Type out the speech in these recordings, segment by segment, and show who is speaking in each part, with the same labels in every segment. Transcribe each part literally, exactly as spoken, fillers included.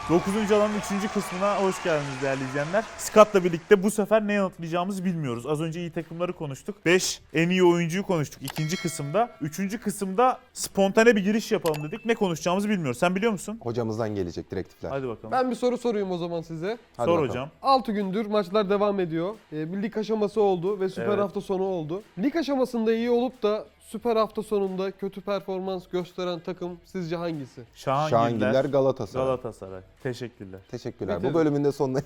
Speaker 1: dokuzuncu alanın üçüncü kısmına hoş geldiniz değerli izleyenler. Scott'la birlikte bu sefer ne yanıtlayacağımızı bilmiyoruz. Az önce iyi takımları konuştuk. beş en iyi oyuncuyu konuştuk ikinci kısımda. Üçüncü kısımda spontane bir giriş yapalım dedik. Ne konuşacağımızı bilmiyoruz. Sen biliyor musun?
Speaker 2: Hocamızdan gelecek direktifler.
Speaker 1: Hadi bakalım.
Speaker 3: Ben bir soru sorayım o zaman size.
Speaker 2: Hadi
Speaker 1: Sor
Speaker 2: bakalım.
Speaker 1: hocam.
Speaker 3: altı gündür maçlar devam ediyor. Ee, bir lig aşaması oldu ve süper
Speaker 1: Evet.
Speaker 3: hafta sonu oldu. Lig aşamasında iyi olup da süper hafta sonunda kötü performans gösteren takım sizce hangisi?
Speaker 1: Şahangiller,
Speaker 2: Şahangiller Galatasaray.
Speaker 1: Galatasaray. Teşekkürler.
Speaker 2: Teşekkürler.
Speaker 3: Bitirdim.
Speaker 2: Bu bölümün de sonuna...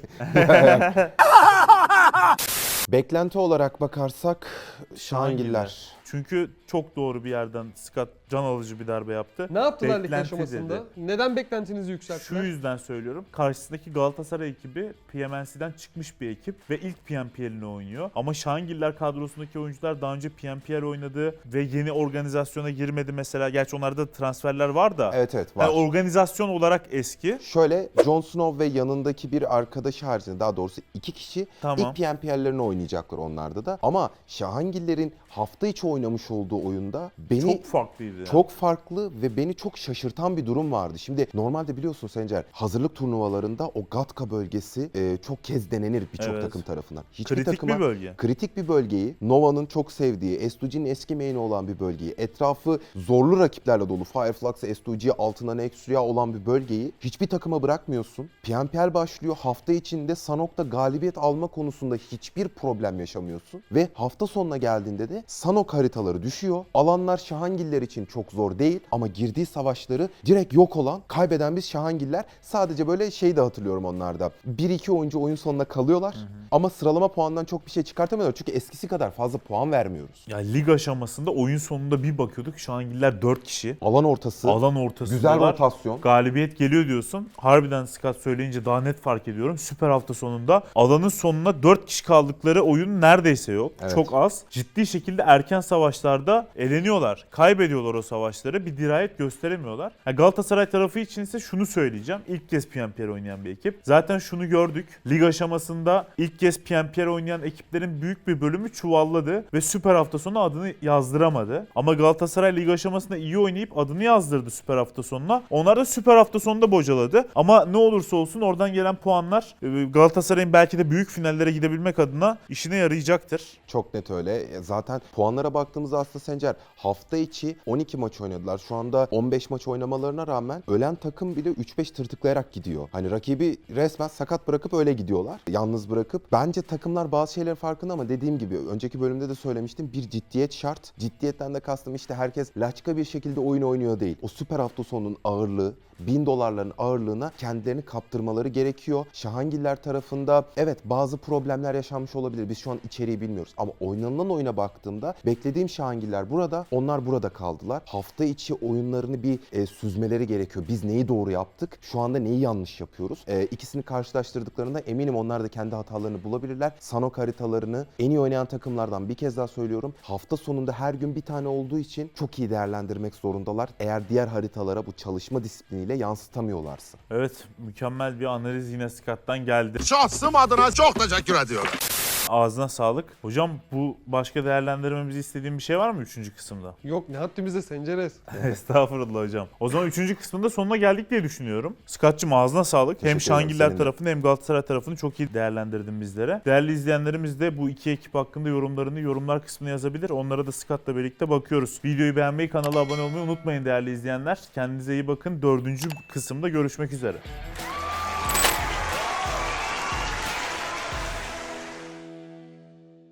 Speaker 2: Beklenti olarak bakarsak Şahangiller.
Speaker 1: Çünkü çok doğru bir yerden Scott can alıcı bir darbe yaptı.
Speaker 3: Ne yaptılar lig
Speaker 1: Beklenti
Speaker 3: aşamasında?
Speaker 1: dedi.
Speaker 3: Neden beklentinizi
Speaker 1: Şu
Speaker 3: yükselttiler?
Speaker 1: yüzden söylüyorum. Karşısındaki Galatasaray ekibi P M N C'den çıkmış bir ekip ve ilk P M P L'ini oynuyor. Ama Şahangiller kadrosundaki oyuncular daha önce P M P L oynadı ve yeni organizasyona girmedi mesela. Gerçi onlarda transferler var da.
Speaker 2: Evet evet var.
Speaker 1: Yani organizasyon olarak eski.
Speaker 2: Şöyle Jon Snow ve yanındaki bir arkadaşı haricinde daha doğrusu iki kişi
Speaker 1: Tamam.
Speaker 2: ilk P M P L'lerini oynayacaklar onlarda da. Ama Şahangiller'in hafta içi oynamış olduğu oyunda beni
Speaker 1: Çok farklıydı. Yani.
Speaker 2: çok farklı ve beni çok şaşırtan bir durum vardı. Şimdi normalde biliyorsun Sencer, hazırlık turnuvalarında o Gatka bölgesi e, çok kez denenir birçok
Speaker 1: Evet.
Speaker 2: takım tarafından. Hiçbir
Speaker 1: Kritik
Speaker 2: takıma,
Speaker 1: bir bölge.
Speaker 2: Kritik bir bölgeyi, Nova'nın çok sevdiği, S iki G'nin eski main'i olan bir bölgeyi, etrafı zorlu rakiplerle dolu, Fireflux, S iki G, altında Nexria olan bir bölgeyi hiçbir takıma bırakmıyorsun. P M P L başlıyor. Hafta içinde Sanok'ta galibiyet alma konusunda hiçbir problem yaşamıyorsun. Ve hafta sonuna geldiğinde de Sanok haritaları düşüyor. Alanlar Şahangiller için çok zor değil ama girdiği savaşları direkt yok olan, kaybeden biz Şahangiller. Sadece böyle şey de hatırlıyorum onlarda. bir iki oyuncu oyun sonuna kalıyorlar. Hı hı. Ama sıralama puanından çok bir şey çıkartamıyorlar. Çünkü eskisi kadar fazla puan vermiyoruz.
Speaker 1: Ya lig aşamasında oyun sonunda bir bakıyorduk. Şahangiller dört kişi.
Speaker 2: Alan ortası.
Speaker 1: Alan ortasında
Speaker 2: Güzel rotasyon.
Speaker 1: Galibiyet geliyor diyorsun. Harbiden Scott söyleyince daha net fark ediyorum. Süper hafta sonunda alanın sonuna dört kişi kaldıkları oyun neredeyse yok.
Speaker 2: Evet.
Speaker 1: Çok az. Ciddi şekilde erken savaşlarda eleniyorlar. Kaybediyorlar o savaşları. Bir dirayet gösteremiyorlar. Yani Galatasaray tarafı için ise şunu söyleyeceğim. İlk kez P M P L oynayan bir ekip. Zaten şunu gördük. Lig aşamasında ilk kez P M P L oynayan ekiplerin büyük bir bölümü çuvalladı ve süper hafta sonu adını yazdıramadı. Ama Galatasaray lig aşamasında iyi oynayıp adını yazdırdı süper hafta sonuna. Onlar da süper hafta sonunda bocaladı. Ama ne olursa olsun oradan gelen puanlar Galatasaray'ın belki de büyük finallere gidebilmek adına işine yarayacaktır.
Speaker 2: Çok net öyle. Zaten puanlara baktığımızda aslında Sencer hafta içi on iki maç oynadılar. Şu anda on beş maç oynamalarına rağmen ölen takım bile üç beş tırtıklayarak gidiyor. Hani rakibi resmen sakat bırakıp öyle gidiyorlar. Yalnız bırakıp. Bence takımlar bazı şeylerin farkında ama dediğim gibi önceki bölümde de söylemiştim. Bir ciddiyet şart. Ciddiyetten de kastım işte herkes laçka bir şekilde oyun oynuyor değil. O süper hafta sonunun ağırlığı, bin dolarların ağırlığına kendilerini kaptırmaları gerekiyor. Şahangiller tarafında evet bazı problemler yaşanmış olabilir. Biz şu an içeriği bilmiyoruz. Ama oynanılan oyuna baktığımda beklediğim Şahangiller burada. Onlar burada kaldılar. Hafta içi oyunlarını bir e, süzmeleri gerekiyor. Biz neyi doğru yaptık? Şu anda neyi yanlış yapıyoruz? E, ikisini karşılaştırdıklarında eminim onlar da kendi hatalarını bulabilirler. Sanok haritalarını en iyi oynayan takımlardan bir kez daha söylüyorum. Hafta sonunda her gün bir tane olduğu için çok iyi değerlendirmek zorundalar. Eğer diğer haritalara bu çalışma disipliniyle yansıtamıyorlarsa.
Speaker 1: Evet, mükemmel bir analiz yine Scott'tan geldi.
Speaker 4: Şahsım adına çok teşekkür ediyorum.
Speaker 1: Ağzına sağlık. Hocam bu başka değerlendirmemizi istediğin bir şey var mı üçüncü kısımda?
Speaker 3: Yok ne haddimize Senceres.
Speaker 1: Estağfurullah hocam. O zaman üçüncü kısmında sonuna geldik diye düşünüyorum. Scott'cığım ağzına sağlık.
Speaker 2: Teşekkür
Speaker 1: Hem
Speaker 2: ederim,
Speaker 1: Şahangiller
Speaker 2: senin de.
Speaker 1: tarafını hem Galatasaray tarafını çok iyi değerlendirdin bizlere. Değerli izleyenlerimiz de bu iki ekip hakkında yorumlarını yorumlar kısmına yazabilir. Onlara da Scott'la birlikte bakıyoruz. Videoyu beğenmeyi, kanala abone olmayı unutmayın değerli izleyenler. Kendinize iyi bakın. Dördüncü kısımda görüşmek üzere.